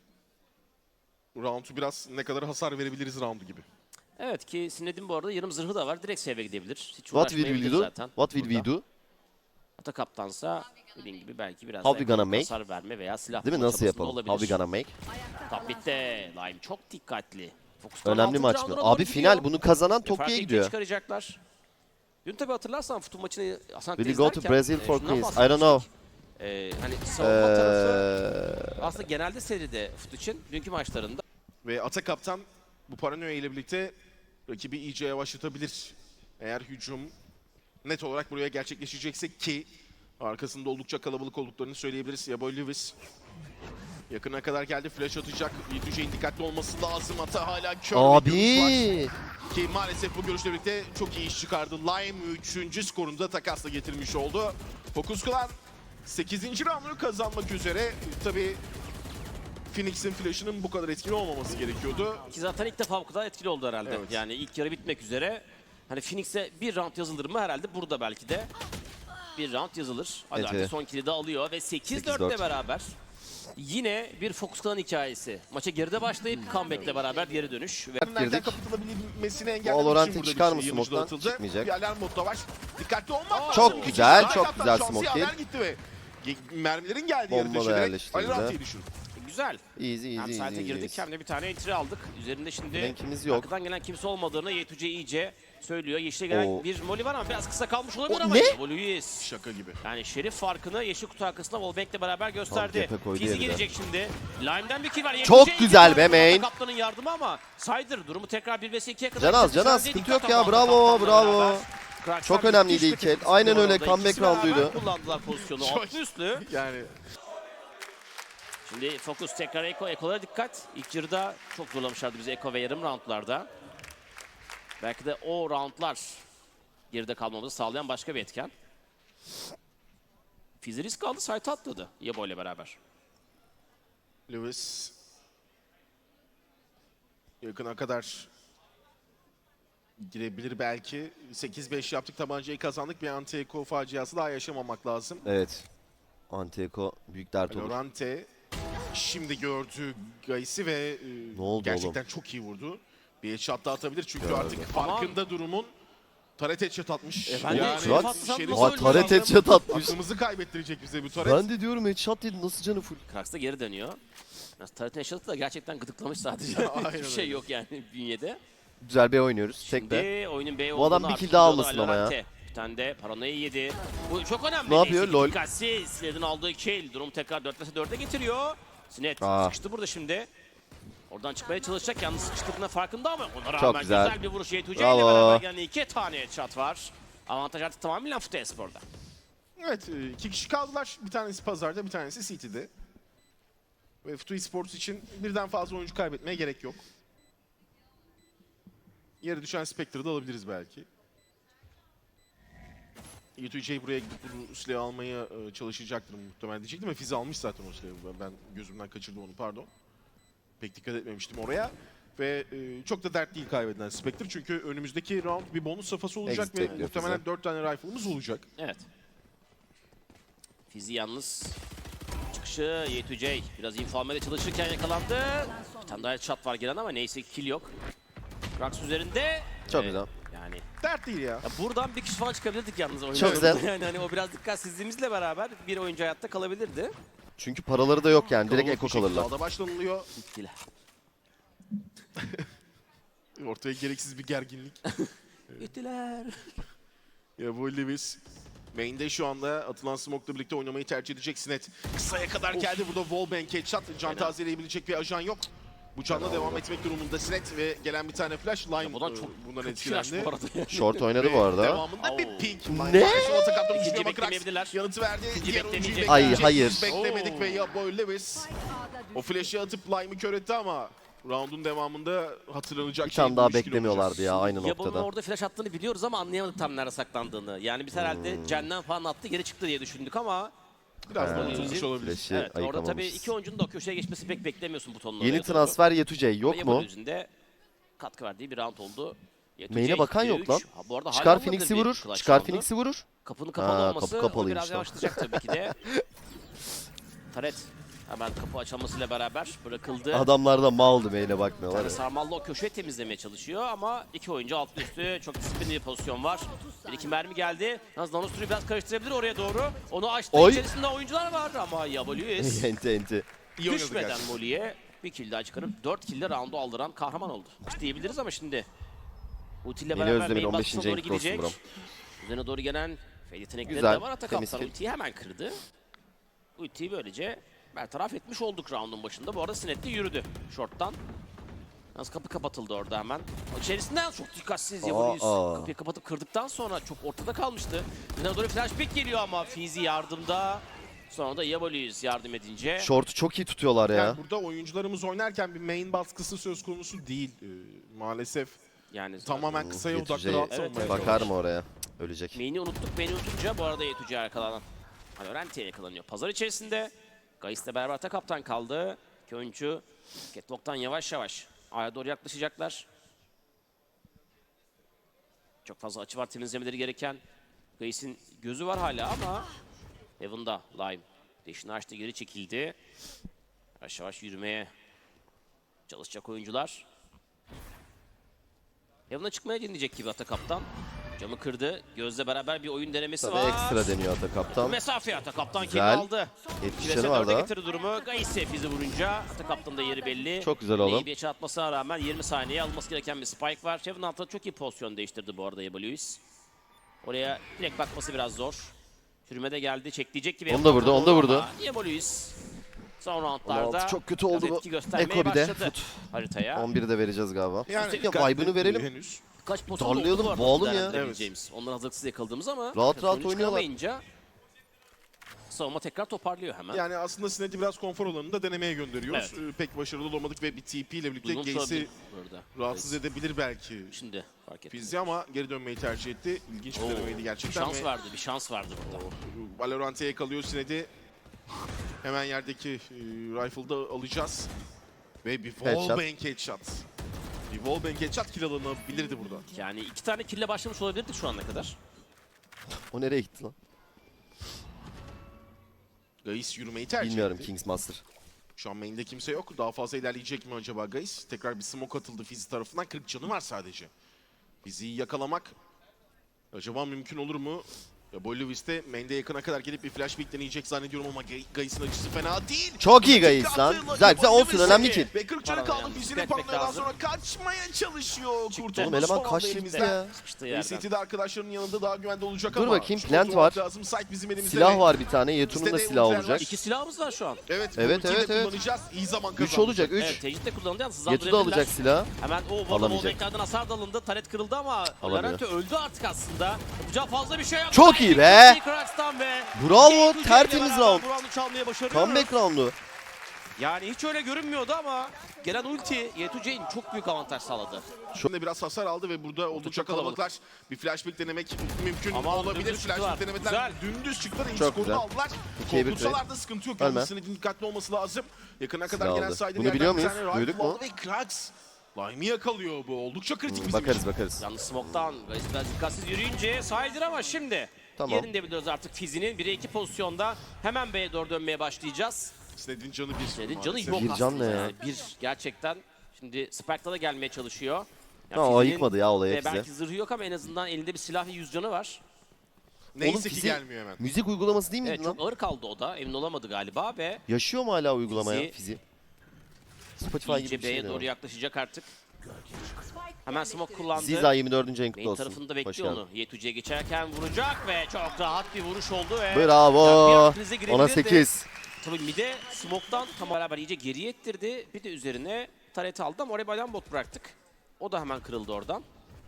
S3: round'u biraz ne kadar hasar verebiliriz round'u gibi.
S1: Evet ki Sined'in bu arada yarım zırhı da var. Direkt save'e gidebilir. Hiç
S2: What will we
S1: uğraşmayabilir
S2: do?
S1: zaten.
S2: What will we
S1: burada.
S2: do?
S1: Ata kaptansa dediğim gibi belki biraz
S2: How we
S1: daha
S2: gonna make?
S1: hasar verme veya silah
S2: Değil mi?
S1: bulma
S2: Nasıl
S1: çabasında
S2: yapalım?
S1: olabilir.
S2: How we gonna make?
S1: Top bitti. Lime çok dikkatli. Fokustan
S2: Önemli
S1: altıncı
S2: maç mı?
S1: round'a doğru
S2: Abi
S1: gidiyor.
S2: final. Bunu kazanan
S1: Ve farkı
S2: Tokyo'ya
S1: ikiye
S2: gidiyor.
S1: çıkaracaklar. Dün tabi hatırlarsan futbol maçını aslında
S2: Will we go to
S1: izlerken,
S2: Brazil
S1: e,
S2: for
S1: şundan
S2: quiz? I don't know.
S1: bahsetmiştik. E, hani savunma tarafı
S2: Eee...
S1: aslında genelde seride fut için dünkü maçlarında
S3: Ve Ata kaptan bu paranoya ile birlikte rakibi iyice yavaşlatabilir. Eğer hücum net olarak buraya gerçekleşecekse ki Arkasında oldukça kalabalık olduklarını söyleyebiliriz. Yaboy Lewis yakına kadar geldi. Flash atacak. Yetüce'nin dikkatli olması lazım. Hatta hala kör bir görüş var.
S2: Abi.
S3: Ki maalesef bu görüşle birlikte çok iyi iş çıkardı. Lime üçüncü skorunu da takasla getirmiş oldu. Focus Clan sekizinci roundunu kazanmak üzere. Tabii Phoenix'in flash'ının bu kadar etkili olmaması gerekiyordu.
S1: Ki zaten ilk defa bu kadar etkili oldu herhalde.
S3: Evet.
S1: Yani ilk yarı bitmek üzere. Hani Phoenix'e bir round yazılır mı? Herhalde burada belki de bir round yazılır. Hadi
S2: Evet,
S1: artık
S2: evet.
S1: son kill'i de alıyor ve sekiz
S2: sekiz
S1: dörtle
S2: dört.
S1: beraber yine bir Focus Clan hikayesi. Maça geride başlayıp comeback'le beraber geri dönüş. Ve
S3: Erken
S2: girdik.
S3: kapatılabilmesini engellemek
S2: Valorant'e
S3: için burada
S2: çıkar
S3: bir
S2: mı
S3: şey yanıcı
S2: smoke'tan?
S3: dağıtıldı.
S2: Çıkmayacak.
S3: Bir alarm modda var. Dikkatli olmak
S1: Çok
S3: lazım.
S2: güzel,
S3: İkinci
S2: çok
S3: hatta
S2: güzel
S3: şansı
S2: smoke
S3: haber
S2: kill.
S3: gitti ve mermilerin geldiği
S2: Bomba
S3: yeri
S2: da
S3: düşürerek
S2: yerleştirildi.
S3: Alirant'ı düşürdü.
S1: güzel.
S2: Easy
S1: Hem
S2: easy
S1: site'e
S2: easy.
S1: girdik
S2: easy.
S1: hem de bir tane entry aldık. Üzerinde şimdi
S2: Rankimiz yok.
S1: arkadan gelen kimse olmadığını Yetuce iyice söylüyor. Yeşile gelen
S2: Oo.
S1: bir molly var ama biraz kısa kalmış olabilir
S2: O
S1: ama
S2: ne?
S1: Louis.
S3: Şaka gibi.
S1: Yani Şerif farkını yeşil kutu arkasında Wallbank'le beraber gösterdi.
S2: tepe koydu
S1: Fizi
S2: yerine.
S1: gelecek şimdi. Lime'den bir kill var.
S2: Çok
S1: Yetuce iyi
S2: güzel
S1: bir
S2: be
S1: tane
S2: main.
S1: Kaptanın yardımı ama Sider durumu tekrar bir vs ikiye kadar.
S2: Canaz,
S1: çıktı.
S2: Canaz,
S1: Sadece
S2: sıkıntı
S1: dikkat
S2: yok ya,
S1: ama
S2: bravo,
S1: Kaptan'la
S2: bravo.
S1: beraber. Kraxlar
S2: Çok önemliydi
S1: müthiş bir
S2: ilk el.
S1: takım
S2: Aynen
S1: skor
S2: öyle,
S1: orada.
S2: comeback
S1: İkisi beraber
S2: round'uydu.
S1: kullandılar pozisyonu.
S3: Çok-
S1: Altlı üstlü.
S3: Yani
S1: Şimdi Focus tekrar Eko. Eko'lara dikkat. İlk yarıda çok zorlamışlardı bizi Eko ve yarım roundlarda. Belki de o roundlar geride kalmamızı sağlayan başka bir etken. Fizi risk aldı, site atladı Yabo ile beraber.
S3: Lewis yakına kadar girebilir belki. sekiz beş yaptık, tabancayı kazandık. Bir anti-eko faciası daha yaşamamak lazım.
S2: Evet. Anti-Eko büyük dert olur.
S3: Lorante şimdi gördü Gais'i ve e,
S2: Ne oldu
S3: gerçekten çok iyi vurdu. Bir headshot da atabilir çünkü
S2: Gördüm.
S3: artık farkında durumun. Taret headshot atmış.
S1: E, ben de
S3: yani
S1: headshot atsam
S3: Şerif
S1: nasıl
S2: Aa,
S1: ölmüyor
S2: taret
S1: lan?
S2: headshot atmış.
S3: aklımızı kaybettirecek bize bu taret.
S2: Ben de diyorum headshot değil, nasıl canı full.
S1: Krax da geri dönüyor. Taret'in eşyatı da gerçekten gıdıklamış sadece.
S3: Aynen
S1: Hiçbir şey
S3: öyle.
S1: yok yani bünyede.
S2: Güzel bir oynuyoruz. Tek de.
S1: Şimdi oyunun B
S2: Bu adam
S1: olduğunu
S2: bir
S1: artık
S2: kill daha
S1: biliyordu
S2: almasın ama ya.
S1: Alorante. Bir tane de paranoya yedi. Bu çok önemli.
S2: Ne yapıyor?
S1: Neyse ki
S2: Lol.
S1: Dikkatsiz. Sined'in aldığı kill. Durum tekrar dört vs dörde getiriyor. Sined
S2: Aa.
S1: sıkıştı burada şimdi. Oradan çıkmaya çalışacak. Yalnız sıkıştığına farkında ama ona rağmen
S2: Çok
S1: güzel.
S2: güzel.
S1: bir vuruş. Yetuce ile
S2: Bravo.
S1: beraber gelen iki tane headshot var. Avantaj artık tamamen Fute Espor'da.
S3: Evet, e, iki kişi kaldılar. Bir tanesi pazarda, bir tanesi City'de. Ve Futu Esports için birden fazla oyuncu kaybetmeye gerek yok. Yere düşen Spectre'ı da alabiliriz belki. Y iki J buraya gidip bu silahı almaya e, çalışacaktır muhtemelen diyecektim. Ve Fiz almış zaten o silahı. Ben- Ben gözümden kaçırdım onu, pardon. Pek dikkat etmemiştim oraya. Ve e, çok da dert değil kaybedilen Spectre. Çünkü önümüzdeki round bir bonus safhası olacak
S2: Exit
S3: ve
S2: bekliyor
S3: muhtemelen
S2: Fiz'e.
S3: dört tane rifle'ımız olacak.
S1: Evet. Fizi yalnız çıkışı Y iki J biraz info almaya çalışırken yakalandı. Bir tane daha headshot var gelen ama neyse ki kill yok. Krax üzerinde.
S2: Çok
S1: Ve
S2: güzel.
S1: Yani
S3: Dert değil ya.
S1: ya buradan bir kişi falan çıkabilirdik yalnız oyunda.
S2: Çok güzel.
S1: Yani hani o biraz dikkatsizliğimizle beraber bir oyuncu hayatta kalabilirdi.
S2: Çünkü paraları da yok yani. Direkt
S3: Kalabalık
S2: Eko
S3: bir şekilde
S2: kalırlar.
S3: Dağda başlanılıyor.
S1: Bittiler.
S3: Ortaya gereksiz bir gerginlik.
S1: Bittiler.
S3: Ya bu Lewis main'de şu anda atılan smoke'la birlikte oynamayı tercih edecek Sinet. Kısaya kadar geldi burada wallbang headshot. Can
S1: Aynen.
S3: tazeleyebilecek bir ajan yok. Bu canla devam etmek durumunda Sinet ve gelen bir tane flash. Lime
S1: Buradan
S3: e,
S1: çok
S3: bundan
S1: kötü flash
S3: etkilendi.
S1: bu arada. yani.
S2: Short oynadı
S3: Ve
S2: bu arada.
S3: devamında bir
S1: Oo.
S3: pink.
S2: Ne?
S3: Kaptan
S1: İkinci
S3: düşüyor ama Krax
S1: beklemeyebilirler.
S3: yanıtı verdi.
S1: İkinci
S3: Diğer oyuncuyu
S1: beklemeyecek.
S2: Ay,
S3: bekleyecek.
S2: hayır.
S3: Biz beklemedik
S1: Oo.
S3: ve ya Boy Lewis o flash'ı atıp Lime'ı kör etti ama round'un devamında hatırlanacak
S2: Bir
S3: şey
S2: tane
S3: bu
S2: daha
S3: üç kill
S2: beklemiyorlardı
S3: olacak.
S2: ya aynı
S1: Yaban'ın
S2: noktada.
S1: orada flash attığını biliyoruz ama anlayamadık tam nerede saklandığını. Yani biz herhalde
S2: Hmm.
S1: Cen'den falan attı geri çıktı diye düşündük ama
S3: Biraz
S2: Ha.
S3: da unutulmuş olabilir.
S2: Flash'i
S1: evet, orada tabii
S2: ayıkamamışız.
S1: iki oyuncunun da o köşeye geçmesi pek beklemiyorsun butonla.
S2: Yeni transfer Yetuce yok mu?
S1: Yüzünde katkı verdiği bir round oldu. Yetuce
S2: Main'e bakan
S1: üçte
S2: yok
S1: üç.
S2: lan.
S1: Ha, bu arada hala
S2: Çıkar
S1: olmadı
S2: Phoenix'i
S1: bir
S2: vurur.
S1: clutch
S2: Çıkar
S1: roundu.
S2: Phoenix'i vurur.
S1: Kapının kapalı
S2: Ha,
S1: olması
S2: kapı
S1: o
S2: kapalıymış
S1: biraz
S2: lan.
S1: yavaşlatacak tabii ki de. Taret hemen kapı açılmasıyla beraber bırakıldı.
S2: Adamlar da maldı main'e
S1: Bir
S2: bakmıyorlar
S1: tane
S2: ya.
S1: sarmallı o köşeyi temizlemeye çalışıyor ama iki oyuncu altlı üstü çok disiplinli bir pozisyon var. Bir iki mermi geldi. Yalnız Nanostru'yu biraz karıştırabilir oraya doğru. Onu açtı.
S2: Oy.
S1: İçerisinde oyuncular var ama Yabaluis
S2: enti enti.
S3: İyi oynadı
S1: düşmeden
S3: gerçekten.
S1: Molly'e bir kill daha çıkarıp dört kill'de round'u aldıran kahraman oldu. İşte diyebiliriz ama şimdi ultiyle
S2: Yeni
S1: beraber
S2: Özlem'in
S1: main
S2: on
S1: baskısına
S2: beşinci
S1: doğru
S2: en cross'u
S1: gidecek.
S2: buram.
S1: Üzerine doğru gelen Fade yetenekleri
S2: Güzel,
S1: de var. Atak
S2: temiz
S1: kaptan
S2: kill.
S1: ultiyi hemen kırdı. Ultiyi böylece bertaraf etmiş olduk round'un başında. Bu arada Sinet de yürüdü short'tan. Yalnız kapı kapatıldı orada hemen. İçerisinden çok dikkatsiz
S2: Aa,
S1: Yavuz.
S2: aa.
S1: Kapıyı kapatıp kırdıktan sonra çok ortada kalmıştı. Yine doğru flashback geliyor ama Fizi yardımda. Sonra da Yabolius yardım edince.
S2: Short'u çok iyi tutuyorlar ya.
S3: Yani burada oyuncularımız oynarken bir main baskısı söz konusu değil. Ee, maalesef
S1: Yani
S3: tamamen kısaya
S2: Yetüce-
S3: odaklı rahat
S1: Evet,
S3: savunmaya
S1: evet.
S2: Bakar mı oraya? Cık, ölecek.
S1: Main'i unuttuk. Main'i unutunca bu arada Yetuce'ye yakalanan. Alorante'ye yakalanıyor. Pazar içerisinde Gais'le beraber ata kaptan kaldı. İki oyuncu Catwalk'tan yavaş yavaş A'ya doğru yaklaşacaklar. Çok fazla açı var temizlemeleri gereken. Gais'in gözü var hala ama Heaven'da Lime. Deşini açtı, geri çekildi. Yavaş yavaş yürümeye çalışacak oyuncular. Heaven'a çıkmaya dinleyecek gibi ata kaptan. Camı kırdı. Gözle beraber bir oyun denemesi
S2: Tabii
S1: var.
S2: ekstra deniyor ata kaptan.
S1: Mesafe ata kaptan kimi
S2: Güzel.
S1: aldı.
S2: yetmiş
S1: Kilese
S2: canı var
S1: dörde
S2: daha.
S1: getirdi durumu. Gais'e fizi vurunca ata kaptanın da yeri belli.
S2: Çok güzel oğlum.
S1: İyi bir açı atmasına rağmen yirmi saniye alması gereken bir spike var. Heaven altında çok iyi pozisyon değiştirdi bu arada Yabolius. Oraya direkt bakması biraz zor. Sürüme de geldi. Çekleyecek gibi.
S2: Onu da vurdu, onu da vurdu.
S1: Yabolius son
S2: on
S1: roundlarda
S2: altı çok kötü oldu
S1: biraz
S2: bu.
S1: etki göstermeye
S2: Eko bir de.
S1: başladı
S2: Fut.
S1: haritaya.
S2: on biri de vereceğiz galiba.
S3: Yani
S2: Ya vibe'ını verelim.
S3: henüz.
S1: Kaç pozisyon
S2: Darlayalım,
S1: oldu bu arada
S2: boğalım ya.
S1: değerlendirebileceğimiz. Onları hazırlıksız yakaladığımız ama
S2: Rahat rahat
S1: sonuç
S2: oynuyorlar.
S1: çıkamayınca savunma tekrar toparlıyor hemen.
S3: Yani aslında Sned'i biraz konfor alanında denemeye gönderiyoruz.
S1: Evet.
S3: Ee, pek başarılı olamadık ve bir T P ile birlikte
S1: Uygun
S3: Gaze'i
S1: sorabilir burada.
S3: rahatsız edebilir belki
S1: Şimdi fark ettim.
S3: Fizi ama geri dönmeyi tercih etti. İlginç bir
S1: Oo,
S3: denemeydi
S1: bir
S3: gerçekten.
S1: şans
S3: ve
S1: vardı, bir şans vardı burada.
S3: Valorant'e yakalıyor Sned'i. Hemen yerdeki e, rifle'da alacağız. Ve bir wallbang headshot. Bir wallbang headshot kill alınabilirdi burada.
S1: Yani iki tane kille başlamış olabilirdik şu ana kadar.
S2: O nereye gitti lan?
S3: Gaiz yürümeyi tercih
S2: Bilmiyorum
S3: etti.
S2: Kings Master.
S3: Şu an main'de kimse yok. Daha fazla ilerleyecek mi acaba Gaiz? Tekrar bir smoke atıldı Fizi tarafından. kırk canı var sadece. Fizi'yi yakalamak acaba mümkün olur mu? Ya Boy Lewis de main'de yakına kadar gelip bir flashback deneyecek zannediyorum ama Gaiz'in açısı fena değil.
S2: Çok iyi Gaiz lan. Güzel güzel olsun, önemli ki.
S3: Ve kırk canı
S1: Para
S3: kaldı.
S1: yalnız,
S3: Fizi'nin
S1: dikkat etmek
S3: paranoyadan
S1: lazım.
S3: sonra kaçmaya çalışıyor.
S1: Çıktı.
S3: Kurtuldu.
S2: Oğlum eleman
S3: Son anda
S2: kaçtı
S3: elimizde.
S2: gitti ya.
S1: Sıkıştı
S3: Ve
S1: yerden.
S3: City'de arkadaşlarının yanında daha güvende olacak
S2: Dur
S3: ama.
S2: bakayım,
S3: şu
S2: plant
S3: kontrol
S2: var.
S3: Lazım. Sight bizim elimizde.
S2: Silah
S3: ve-
S2: var bir tane. Yetun'un da
S3: Bizde de
S2: silahı
S3: Ulfer var.
S2: olacak.
S1: İki silahımız var şu an.
S3: Evet,
S2: Evet,
S3: ultiyi de
S2: evet, evet.
S3: kullanacağız. İyi zaman
S2: üç
S3: kazandık.
S2: olacak üç.
S1: Evet, tecrit de kullanıldı. Yalnız
S2: Yetu da
S1: hızlandırabilirler.
S2: alacak silah.
S1: Hemen o
S2: Alamayacak.
S1: Alamayacak. hasar da alındı. Taret kırıldı ama
S2: Alamıyor.
S1: Lorente öldü artık aslında. Yapacağı fazla bir şey yok.
S2: Çok iyi be.
S1: Krax'tan ve
S2: Bravo,
S1: Yetuce'yle
S2: tertemiz
S1: beraber
S2: round.
S1: bu roundu çalmaya başarıyor.
S2: Comeback roundu.
S1: Yani hiç öyle görünmüyordu ama gelen ulti Yetuce'nin çok büyük avantaj sağladı.
S3: Şimdi biraz hasar aldı ve burada oldukça
S1: çok kalabalık.
S3: kalabalıklar. Bir flashback denemek mümkün
S1: Ama
S3: olabilir.
S1: dümdüz çıktılar.
S3: Flashback denemeler
S1: Güzel.
S3: dümdüz çıktılar. İlk
S2: Çok
S3: skorunu
S2: güzel.
S3: aldılar.
S2: İkiye bir
S3: Korkutsalar da sıkıntı yok.
S2: Ölme.
S3: Yalnız dikkatli olması lazım. Yakına kadar
S2: Silah
S3: gelen
S2: aldı.
S3: saydı.
S2: Bunu biliyor muyuz? Duyduk mu?
S3: Ve Krax Lime'i yakalıyor bu. Oldukça kritik bizim
S2: Bakarız
S3: için.
S2: bakarız.
S1: Yalnız Smoke'dan biraz dikkatsiz yürüyünce saydır ama şimdi
S2: Tamam.
S1: yerinde biliyoruz artık Fizi'nin bire iki pozisyonda hemen B'ye doğru dönmeye başlayacağız.
S3: Sned'in canı bir.
S1: Sned'in canı
S3: maalesef.
S1: yok
S2: Bir can
S1: aslında
S2: ne ya?
S1: yani. Bir gerçekten. Şimdi Spectre'da da gelmeye çalışıyor. Yani
S2: Ha, o
S1: Fizi'nin
S2: ayıkmadı ya olayı
S1: de
S2: hepsi.
S1: belki zırhı yok ama en azından elinde bir silah ve yüz canı var.
S3: Neyse
S2: Oğlum
S3: ki
S2: fizi-
S3: gelmiyor hemen.
S2: Müzik uygulaması değil miydi
S1: Evet
S2: lan?
S1: çok ağır kaldı o da. Emin olamadı galiba ve
S2: Yaşıyor mu hala uygulamaya
S1: Fizi-
S2: fizi? Spotify gibi
S1: iyice
S2: bir
S1: B'ye
S2: şey
S1: doğru
S2: de var.
S1: yaklaşacak artık. Hemen smoke kullandı.
S2: Ziza yirmi dördüncü ayın kutlu
S1: Main
S2: olsun.
S1: tarafında
S2: Hoş
S1: bekliyor
S2: geldin.
S1: onu. Yetuce'ye geçerken vuracak ve çok rahat bir vuruş oldu ve
S2: Bravo.
S1: Yani bir an krize girebilirdi.
S2: Ona sekiz.
S1: Tabii mide smoke'tan tam beraber iyice geriye ettirdi. Bir de üzerine taret aldı ama oraya bayan bot bıraktık. O da hemen kırıldı oradan.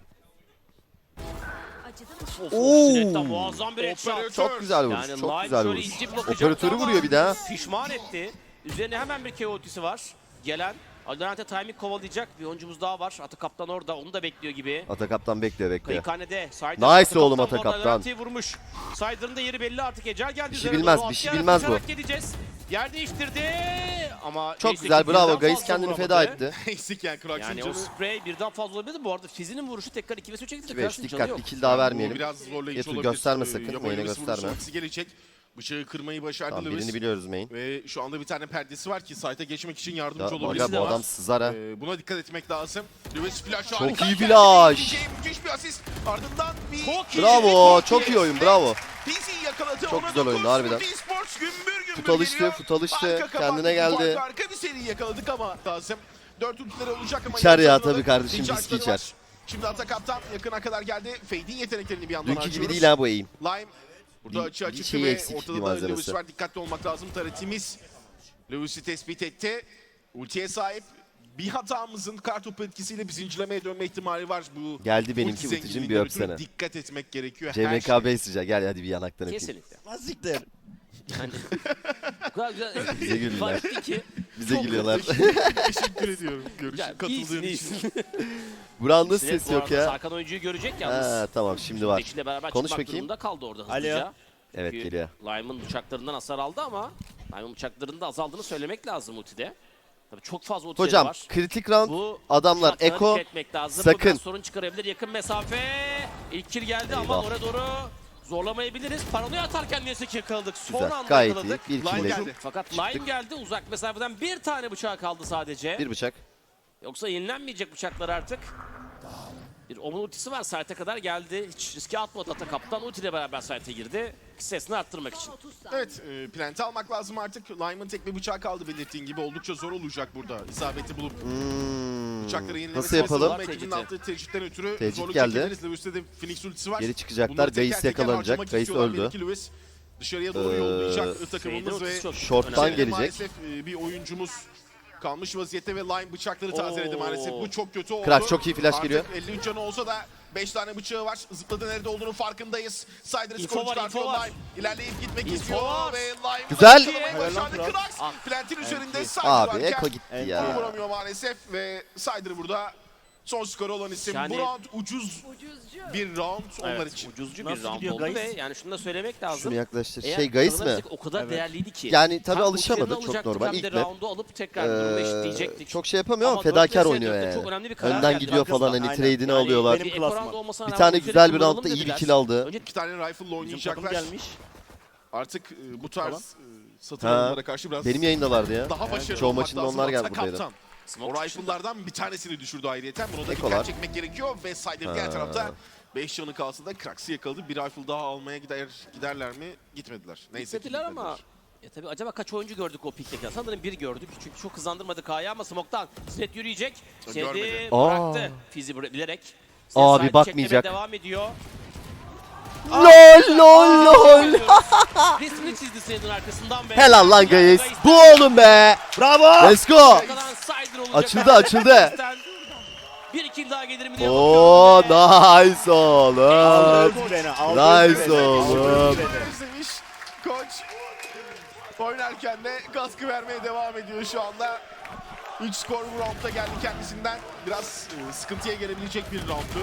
S1: Of, of,
S2: Oo.
S1: Sinet'ten muazzam bir headshot.
S3: Operatör.
S2: Çok güzel vuruş.
S1: Yani
S2: Çok
S1: Live
S2: güzel
S1: şöyle
S2: vuruş.
S1: ince bir bakacaktı
S2: Operatörü
S1: ama
S2: vuruyor bir daha.
S1: Pişman etti. Üzerine hemen bir K O'si var. Gelen Alderante timing kovalayacak bir oyuncumuz daha var. Atı kaptan orada. Onu da bekliyor gibi.
S2: Atakaptan bekliyor bekliyor.
S1: Kayıkhanede Saydır.
S2: Nice
S1: Atı
S2: oğlum
S1: kaptan
S2: Ata
S1: bu arada
S2: kaptan.
S1: Alderante'yi vurmuş. Sayder'ın da yeri belli artık. Ecel geldi.
S2: Bir şey
S1: üzerine
S2: bilmez,
S1: doğru
S2: bir şey
S1: atlayarak
S2: bilmez bu.
S1: koşarak Gideceğiz. Yer değiştirdi ama
S2: Çok
S1: neyse
S2: güzel
S1: ki
S2: bravo.
S1: birden
S2: Gaiz
S1: fazla
S2: kendini
S1: vuramadı.
S2: feda etti.
S3: Eksik yani Krax'ın
S1: Yani o
S3: canı.
S1: sprey birden fazla olabilirdi. Bu arada Fizi'nin vuruşu tekrar iki ve üçe gitti.
S2: iki beş
S1: Krax'ın canı
S2: dikkat.
S1: yok.
S2: Bir kill daha
S3: Bu
S2: vermeyelim.
S3: biraz zorlayıcı
S2: Yetu
S3: olabilir.
S2: gösterme
S3: Ee,
S2: sakın,
S3: Yabancı
S2: oyuna
S3: Lewis
S2: gösterme.
S3: vuruşu ultisi gelecek. Bıçağı kırmayı başardı
S2: Tamam,
S3: Lewis.
S2: birini biliyoruz main.
S3: Ve şu anda bir tane perdesi var ki site'a geçmek için yardımcı
S2: Ya,
S3: olabilir.
S2: aga,
S1: de
S2: bu
S1: var.
S2: adam sızar ha.
S3: Ee, buna dikkat etmek lazım. Lewis flash
S2: Çok
S3: harika
S2: iyi
S3: geldi.
S2: flash.
S3: İkinci müthiş bir asist. Ardından bir...
S1: Çok iyi.
S2: Bravo. Çok iyi oyun. Bravo.
S3: Fizi yakaladı.
S2: Çok
S3: Ona
S2: güzel oyundu,
S3: dokuz.
S2: harbiden.
S3: Footy Sports gümbür gümbür
S2: Fut alıştı,
S3: geliyor.
S2: fut alıştı.
S3: Arka kapattı,
S2: Kendine geldi.
S3: farklı Arka bir seri yakaladık ama lazım. Dört ultileri olacak ama...
S2: İçer ya
S3: yanlarında
S2: tabii kardeşim,
S3: ninja
S2: viski
S3: açları var.
S2: içer.
S3: Şimdi Ata Kaptan yakına kadar geldi. Fade'in yeteneklerini bir yandan
S2: Dünkü
S3: harcıyoruz.
S2: gibi değil ha bu aim.
S3: Lime burada
S2: Bir-
S3: açı
S2: bir
S3: açık
S2: şeyi
S3: ve
S2: eksik, bir
S3: ortada da
S2: malzemesi.
S3: Lewis var. Dikkatli olmak lazım. Taretimiz Lewis'i tespit etti. Ultiye sahip. bir hatamızın kartopu etkisiyle bir zincirlemeye dönme ihtimali var. Bu
S2: Geldi
S3: ulti
S2: benimki ulticim,
S3: zenginliğinden
S2: bir
S3: ötürü
S2: öpsene.
S3: Dikkat etmek gerekiyor.
S2: C M
S3: Her
S2: K
S3: şey.
S2: Bey sıcak. Gel hadi bir yanaktan öpeyim.
S1: Kesinlikle.
S4: Azıcık
S1: Yani o kadar güzel
S2: Bize gülüyorlar.
S1: ifade etti ki.
S2: Bize
S1: Çok
S2: gülüyorlar.
S3: Teşekkür ediyorum. Görüş,
S1: Yani
S3: katıldığın
S1: iyisin,
S3: için.
S1: iyisin.
S2: Buranın da
S1: Sinet
S2: ses
S1: bu
S2: yok
S1: arada
S2: ya.
S1: Sarkan oyuncuyu görecek yalnız.
S2: Ha, tamam şimdi var.
S1: Eşiyle beraber
S2: Konuş
S1: çıkmak
S2: bakayım.
S1: durumunda kaldı orada
S4: Alo.
S1: hızlıca.
S2: Evet
S1: Çünkü
S2: geliyor.
S1: Lyman bıçaklarından hasar aldı ama Lyman bıçaklarının da azaldığını söylemek lazım ultide. Tabii çok fazla ultileri
S2: Hocam
S1: var.
S2: kritik round
S1: Bu
S2: adamlar
S1: şartlara
S2: Eko
S1: dikkat etmek lazım. Bu
S2: sakın.
S1: biraz sorun çıkarabilir. Yakın mesafe. İlk kill geldi ama
S2: Eyvah.
S1: oraya doğru zorlamayabiliriz. Paranoya atarken neyse ki yakaladık. Son
S2: Güzel,
S1: anda
S2: gayet
S1: yakaladık.
S2: iyi. Bir
S3: Line
S2: kill
S3: geldi.
S1: Fakat
S2: Çıktık.
S1: Line geldi. Uzak mesafeden bir tane bıçağı kaldı sadece.
S2: bir bıçak.
S1: Yoksa yenilenmeyecek bıçaklar artık. Bir Omun ultisi var. Site'e kadar geldi. Hiç riske atmadı Ata kaptan. Ultiyle beraber site'e girdi. Sesini arttırmak için.
S3: Evet, e, plante almak lazım artık. Lyman tek bir bıçağı kaldı belirttiğin gibi. Oldukça zor olacak burada. İsabeti bulup
S2: Hmm.
S3: bıçakları yenilemesi.
S2: Nasıl yapalım?
S3: lazım. Ekibin attığı tecitten ötürü
S2: Tecrit
S3: zorluk
S2: geldi.
S3: çekiliriz. Lewis'te de Phoenix ultisi var.
S2: Geri çıkacaklar.
S3: Bunları teker
S2: Gais
S3: teker
S2: yakalanacak.
S3: harcamak
S2: Gais
S3: istiyorlar.
S2: öldü.
S3: Belki Lewis dışarıya doğru
S2: Ee,
S3: yollayacak
S1: Şeyde
S3: takımımız ve
S1: ultisi çok
S2: Short'tan
S1: önemli.
S3: içeride
S2: gelecek.
S3: maalesef e, bir oyuncumuz kalmış vaziyette ve Lime bıçakları tazeledi
S1: Oo.
S3: maalesef. Bu çok kötü oldu.
S2: Krax çok iyi flash
S3: Artık
S2: geliyor.
S3: elli üç canı olsa da beş tane bıçağı var. Zıpladı nerede olduğunu farkındayız. Sider
S1: İnfo
S3: skoru
S1: var,
S3: çıkartıyor
S1: info var.
S3: Lime. İlerleyip gitmek
S1: İnfo
S3: istiyor
S1: var.
S3: ve Lime
S2: Güzel.
S3: yakalamayı başardı.
S4: Helal lan
S3: Krax
S1: Ah.
S3: Plant'in üzerinde Sider
S2: Abi
S3: varken
S2: Eko gitti
S4: Eko
S2: ya.
S3: vuramıyor maalesef ve Sider burada son skoru olan isim.
S1: Yani-
S3: Bu round ucuz bir round onlar
S1: Evet,
S3: için.
S1: ucuzcu bir
S4: Nasıl
S1: round
S4: gidiyor
S1: oldu
S4: Gais?
S1: ve yani şunu da söylemek lazım.
S2: Şunu yaklaştır.
S1: Eğer
S2: Şey Gais mi?
S1: kazanabilsek o kadar
S4: Evet.
S1: değerliydi ki.
S2: Yani tabii
S1: Hem
S2: alışamadı,
S1: ultilerini
S2: çok
S1: alacaktık
S2: normal.
S1: Hem de
S2: İlk map.
S1: roundu alıp tekrar durumu eşitleyecektik.
S2: Ee, çok şey yapamıyor ama
S1: Ama
S2: fedakar
S1: dört
S2: oynuyor
S1: vs dörtte
S2: yani.
S1: çok önemli bir karar
S2: Önden
S1: geldi.
S2: gidiyor falan hani
S4: Aynen.
S2: trade'ini
S4: Yani
S2: alıyorlar.
S4: benim
S1: Bir
S4: klasman.
S1: Ekoranda olmasına
S2: Bir
S1: rağmen
S2: tane
S1: ultileri
S2: güzel bir
S1: kullanalım
S2: roundda iyi bir
S1: dediler.
S2: kill aldı.
S1: Önce
S3: İki tane rifle'la
S4: Bizim takım
S3: oynayacaklar.
S4: gelmiş.
S3: Artık e, bu tarz e, satın
S2: Ha.
S3: alımlara karşı biraz
S2: Benim yayındalardı ya.
S3: daha başarılı
S2: Çoğu
S3: olmak
S2: maçında
S3: lazım.
S2: onlar geldi
S3: Hatta
S2: buradaydı.
S3: kaptan.
S1: Smoke
S3: O
S1: dışında.
S3: rifle'lardan bir tanesini düşürdü ayrıyeten. Buna da
S2: Ekolar.
S3: dikkat çekmek gerekiyor ve Sider diğer
S2: Ha.
S3: tarafta beş canı kalsın da Krax'ı yakaladı. Bir rifle daha almaya gider giderler mi? Gitmediler. Neyse ki
S1: İstediler ama
S3: gitmediler.
S1: ya tabii acaba kaç oyuncu gördük o pikte? Sanırım bir gördük çünkü çok hızlandırmadık K'ya ama Smoke'tan Sinet yürüyecek. Sinet'i
S3: Görmedi.
S1: bıraktı.
S2: Aa.
S1: Fizi bıra- bilerek. Sinet
S2: Abi
S1: side
S2: bakmayacak.
S1: çekmeye devam ediyor.
S2: LOL lol lol.
S1: Resmini çizdi Sinet'in arkasından ve
S2: Helal lan Gais. Bu oğlum be.
S4: Bravo.
S2: Let's go.
S1: Arkadan Sider olacak.
S2: Açıldı, açıldı.
S1: Bir kill daha gelir mi diye
S2: Oo
S1: bakıyorum.
S2: nice oğlum.
S4: Aldı beni. Aldı
S2: Nice
S4: beni.
S2: oğlum.
S4: Aldı beni.
S3: Özlemiş. Koç oynarken de katkı vermeye devam ediyor şu anda. üç skor bu roundda geldi kendisinden. Biraz e, sıkıntıya gelebilecek bir rounddu.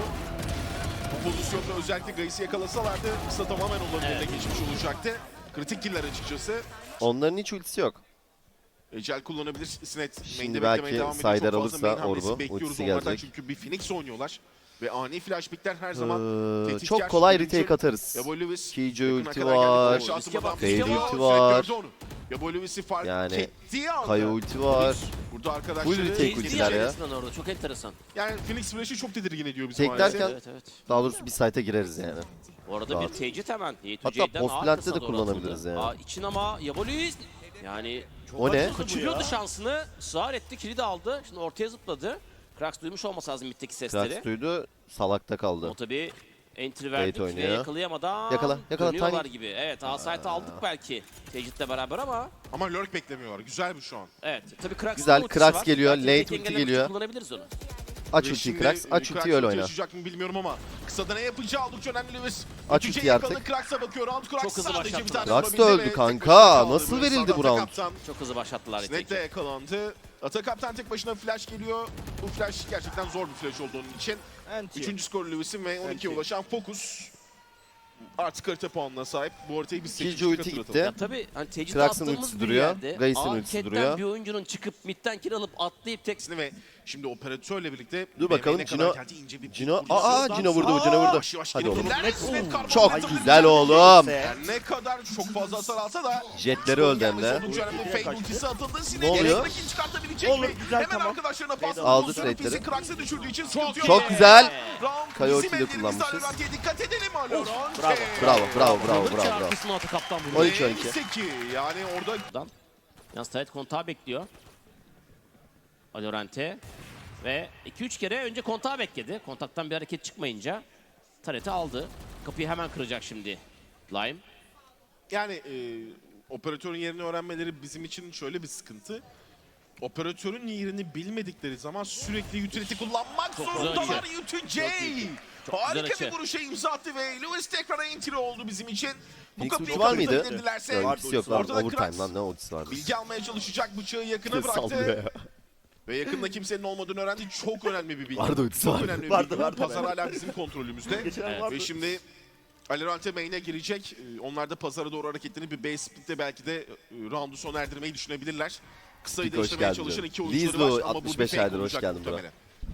S3: Bu pozisyonda özellikle Gais'i yakalasalardı kısa tamamen onların
S1: Evet.
S3: eline geçmiş olacaktı. Kritik killer açıkçası.
S2: Onların hiç ultisi yok.
S3: Ecel kullanabilir. Sinet
S2: Şimdi
S3: main'de
S2: belki
S3: beklemeye devam ediyor.
S2: Sider
S3: Çok fazla
S2: alırsa
S3: main hamlesi
S2: Orbu,
S3: bekliyoruz
S2: ultisi
S3: onlardan
S2: gelecek.
S3: çünkü bir Phoenix oynuyorlar. Ve ani flash pickler her zaman
S2: Ee,
S3: tehditkar.
S2: çok kolay
S3: Birinci-
S2: retake atarız.
S3: Yabo Lewis
S2: Killjoy
S3: yakına
S2: ulti
S3: kadar geldi.
S2: var.
S3: Flash atmadan
S1: Fade
S3: gidiyor.
S2: ulti
S3: Sinet
S2: var.
S3: gördü onu. Yabo Lewis'i fark
S2: Yani
S3: ettiği anda.
S2: Kaya ulti var.
S3: Burada arkadaşları
S2: Full retake
S1: Ezdi
S2: ultiler ya.
S1: resmen orada. Çok enteresan.
S3: yani Phoenix Flash'ı çok tedirgin ediyor bizi
S2: Teklerken-
S3: maalesef.
S1: Evet evet.
S2: Daha doğrusu bir site'e gireriz yani.
S1: Bu arada
S2: Rahat.
S1: bir tecrit hemen.
S2: Hatta post plant'te de kullanabiliriz yani.
S1: Aa, için ama Yabolis yani çok
S2: O ne?
S1: acı kaçırıyordu şansını. Sığar etti, kilidi aldı. Şimdi ortaya zıpladı. Krax duymuş olması lazım mitteki sesleri.
S2: Krax duydu. Salakta kaldı.
S1: O tabii entry
S2: Bait
S1: verdik ve
S2: oynuyor.
S1: yakalayamadan
S2: Yakala, yakala,
S1: dönüyorlar
S2: tiny.
S1: gibi. Evet, A-site aldık belki tecritle beraber ama
S3: Ama lurk beklemiyorlar. Güzel bu şu an.
S1: evet. Tabii Krax'ın
S2: Güzel,
S1: ultisi
S2: Krax
S1: var.
S2: geliyor,
S1: Belki
S2: late
S1: tek
S2: ulti
S1: engellemek için
S2: geliyor.
S1: Kullanabiliriz onu.
S2: Aç
S3: Ve
S2: ultiyi
S3: şimdi,
S2: Krax.
S3: e,
S2: Aç
S3: Krax
S2: ultiyi öyle oyna.
S3: çalışacak mı bilmiyorum ama kısada ne yapacağı oldukça önemli Lewis.
S2: Aç
S3: Üçüncüye
S2: ultiyi
S3: yakaladı.
S2: artık.
S3: Krax'a bakıyor. Round Krax
S1: Çok hızlı
S3: sadece bir
S1: başlattılar.
S3: tane
S2: Krax da
S3: vurabildi
S2: öldü
S3: ve
S2: kanka.
S3: tek başına kaldı.
S2: Nasıl
S3: Ve
S2: verildi
S3: sonra
S2: bu round?
S3: Atakaptan
S1: Çok hızlı başlattılar.
S3: Snake de yakalandı. Atakaptan tek başına flash geliyor. Bu flash gerçekten zor bir flash olduğu için.
S4: Anti.
S3: Üçüncü skor Lewis'in ve on ikiye
S4: Anti.
S3: ulaşan Focus. Artık harita puanına sahip. Bu haritayı biz
S2: Killjoy
S3: seçmiştik,
S2: ulti
S3: hatırlatalım.
S2: gitti.
S1: Ya tabii hani tecrit
S2: Krax'ın
S1: attığımız
S2: ultisi
S1: bir
S2: duruyor,
S1: yerde.
S2: Gais'in
S1: Aa,
S2: ultisi
S1: Cat'ten
S2: duruyor.
S1: bir oyuncunun çıkıp midden kill alıp atlayıp tek
S3: Ve şimdi operatörle birlikte
S2: Dur bakalım,
S3: B M'ye kadar
S2: Cino-
S3: geldi, ince bir
S2: Cino,
S3: vurdu.
S2: aa Cino vurdu, Cino vurdu.
S3: Yavaş yavaş
S2: Hadi
S3: gelip
S2: oğlum.
S3: ileride Sinet karbon
S2: Çok
S3: atamadı.
S2: güzel oğlum.
S3: Yani ne kadar çok fazla hasar alsa da
S2: Jetleri öldü hem de.
S3: Oldukça önemli fake ultisi atıldı. Sinet
S2: Ne oluyor?
S3: elektrikini çıkartabilecek
S4: Olur,
S3: mi?
S4: güzel,
S3: Hemen
S4: tamam.
S3: arkadaşlarına pas
S2: Aldı
S3: pozisyonu
S2: trade'leri.
S3: Fizi Krax'ı düşürdüğü için sıkıntı yok.
S2: Çok güzel.
S3: Round
S2: Kaya
S3: bizim
S2: ultiyi de
S3: ellerimizde
S2: kullanmışız.
S3: Alorant'e dikkat edelim Alorant.
S4: Bravo.
S2: Bravo, bravo, bravo,
S1: Bravo,
S2: bravo, bravo.
S1: Arkasına atı kaptan bunu.
S2: on iki on iki.
S3: Neyse ki yani orada
S1: Yalnız Taret kontağı bekliyor. Alorante. Ve iki üç kere önce kontağı bekledi. Kontaktan bir hareket çıkmayınca Taret'i aldı. Kapıyı hemen kıracak şimdi Lime.
S3: yani e, operatörün yerini öğrenmeleri bizim için şöyle bir sıkıntı. operatörün yerini bilmedikleri zaman sürekli utility kullanmak
S1: Çok güzel
S3: zorundalar.
S1: açı.
S3: U two J.
S1: Çok iyi. Çok güzel
S3: Harika
S1: açı.
S3: bir vuruşa imza attı ve Lewis tekrar entry oldu bizim için. Bu
S2: Phoenix
S3: kapıyı
S2: ulti var mıydı?
S3: kapatabilirlerse
S2: Yok, ultisi yok lan.
S3: ortada
S2: Overtime
S3: Krax
S2: lan, ne ultisi varmış.
S3: bilgi almaya çalışacak, bıçağı yakına
S2: Sallıyor
S3: bıraktı.
S2: ya.
S3: Ve yakında kimsenin olmadığını öğrendi. Çok önemli bir bilgi.
S2: Vardı ultisi,
S3: Çok
S2: vardı.
S3: önemli bir
S4: Vardı,
S3: bilgi.
S4: vardı,
S3: Pazar
S4: vardı.
S3: hala bizim kontrolümüzde.
S4: Geçen
S1: Evet.
S4: vardı.
S3: Ve şimdi Alorante main'e girecek. Ee, Onlar da pazara doğru hareketlenip bir base split'te belki de e, roundu sona erdirmeyi düşünebilirler. Kısayı
S2: Pik, hoş
S3: değiştirmeye
S2: geldin
S3: çalışan
S2: canım.
S3: iki oyuncuları
S2: Lizlo,
S3: var ama bu bir
S2: altmış beş
S3: fake
S2: aydır, hoş
S3: olacak
S2: geldin bro.
S3: muhtemelen.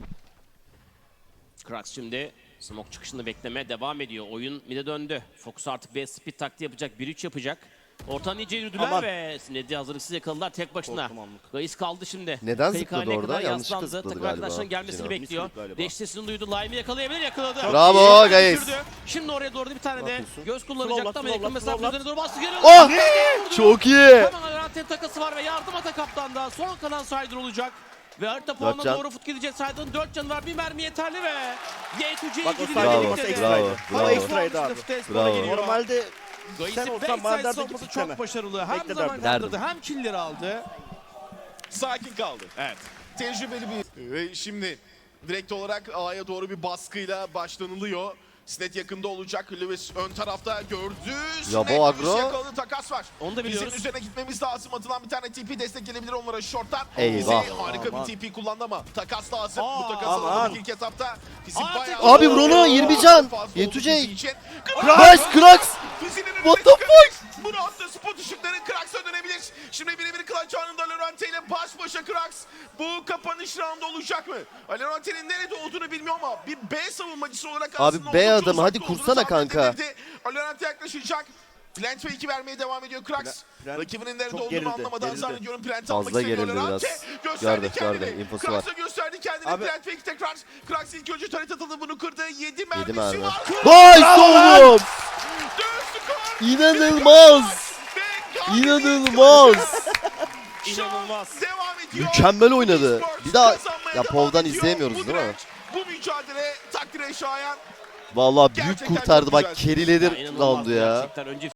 S1: Krax şimdi smoke çıkışını beklemeye devam ediyor. Oyun mid'e döndü. Fokus artık B speed taktiği yapacak. bir üç yapacak. Ortadan iyice yürüdüler
S4: Aman.
S1: ve Sned'i hazırlıksız yakaladılar tek başına.
S4: Korktum anlık.
S1: Gayis kaldı şimdi.
S2: Neden
S1: Kayık
S2: zıpladı
S1: haline
S2: orada?
S1: kadar
S2: Yanlışlıkla
S1: yaslandı.
S2: zıpladı
S1: Takım
S2: galiba.
S1: arkadaşlarının gelmesini
S2: Cino.
S1: bekliyor.
S4: Mislik galiba.
S1: Deş sesini duydu. Lime'i yakalayabilir, yakaladı.
S2: Bravo,
S1: İyi yerden
S2: Gayis.
S1: düşürdü. Şimdi oraya doğru bir tane de
S2: yapıyorsun?
S1: göz kullanacaktı ama
S4: Slowlat,
S1: yakın
S4: slowlat,
S1: mesafe
S4: slowlat.
S1: üzerine doğru bastı. Geri
S2: Oh!
S1: vurdu.
S2: Çok iyi.
S1: Hemen Alorante takası var ve yardım ata kaptandan. Son kalan Sider olacak. Ve harita puanına
S2: can.
S1: doğru fut gidecek. Sider'ın dört canı var. Bir mermi yeterli ve Y iki C'ye
S4: Bak o
S1: gidiyor.
S2: Bravo,
S4: Saydı,
S1: birlikte de.
S2: bravo,
S4: Ama
S2: bravo.
S4: ekstraydı abi.
S2: Bravo.
S4: Normalde
S5: Gayis'in
S4: sen olsan
S5: backside
S4: bana derdin
S5: savunması
S4: ki
S5: çok
S4: bitleme.
S5: başarılı. Hem
S4: Bekle
S5: zaman
S4: derdim.
S5: kaldırdı hem killleri aldı.
S3: Sakin kaldı.
S5: Evet.
S3: Tecrübeli bir... Ve şimdi direkt olarak A'ya doğru bir baskıyla başlanılıyor. Snet yakında olacak. Lewis ön tarafta gördü.
S2: Ya bu
S3: Snet
S2: agro.
S3: Lewis yakaladı. Takas var.
S1: Onu da biliyoruz.
S3: Bizim üzerine gitmemiz lazım. Atılan bir tane T P destek gelebilir onlara short'tan.
S2: Eyvah.
S3: Bize harika
S4: Aman.
S3: bir T P kullandı ama takas lazım.
S5: Aa,
S3: Bu takas
S4: aman.
S3: alamadık ilk etapta. Fizik
S1: Aa,
S3: bayağı...
S1: tek-
S2: Abi Bruno, yirmi can.
S3: Fazla oldu
S2: Yetecek.
S3: Fizik için.
S2: Nice Krax.
S3: Fizinin önüne
S2: What the
S3: çıkabilir. Bu roundda spot ışıkları Krax'a dönebilir. Şimdi birebir clutch anında Alorante ile baş başa Krax. Bu kapanış roundu olacak mı? Alorante'nin nerede olduğunu bilmiyorum ama bir B savunmacısı olarak
S2: Abi
S3: aslında
S2: B
S3: oldukça
S2: adamı, hadi
S3: uzakta olduğunu
S2: kursana
S3: tahmin
S2: kanka.
S3: edilirdi. Alorante yaklaşacak. Plant ve iki vermeye devam ediyor Krax.
S4: Plant
S3: Rakibinin nerede
S4: çok
S3: olduğunu
S4: gerildi,
S3: anlamadan
S4: gerildi.
S3: zannediyorum Plant
S2: Fazla
S3: almak istemiyor
S2: gerildi
S3: Alorante.
S2: biraz.
S3: Gösterdi
S2: Gördü,
S3: kendini.
S2: gördü. İnfosu
S3: Krax'a gösterdi kendini.
S4: Abi-
S3: Plant ve iki tekrar. Krax ilk önce taret atıldı, bunu kırdı. yedi mermisi
S2: mermi.
S3: var.
S2: Nice oğlum.
S3: Dön skor.
S2: İnanılmaz.
S3: Ve
S2: İnanılmaz.
S1: İnanılmaz.
S3: Devam ediyor.
S2: Mükemmel oynadı.
S3: Esports
S2: Bir daha
S3: kazanmaya
S2: ya
S3: devam
S2: Pov'dan
S3: ediyor.
S2: izleyemiyoruz
S3: Bu
S2: değil mi?
S3: direnç, Bu mücadele takdire şayan.
S2: Vallahi büyük
S3: Gerçekten
S2: kurtardı
S3: çok
S2: bak,
S3: güzel.
S2: keriledi
S1: Ya, inanılmaz
S2: roundu ya.
S1: Gerçekten önce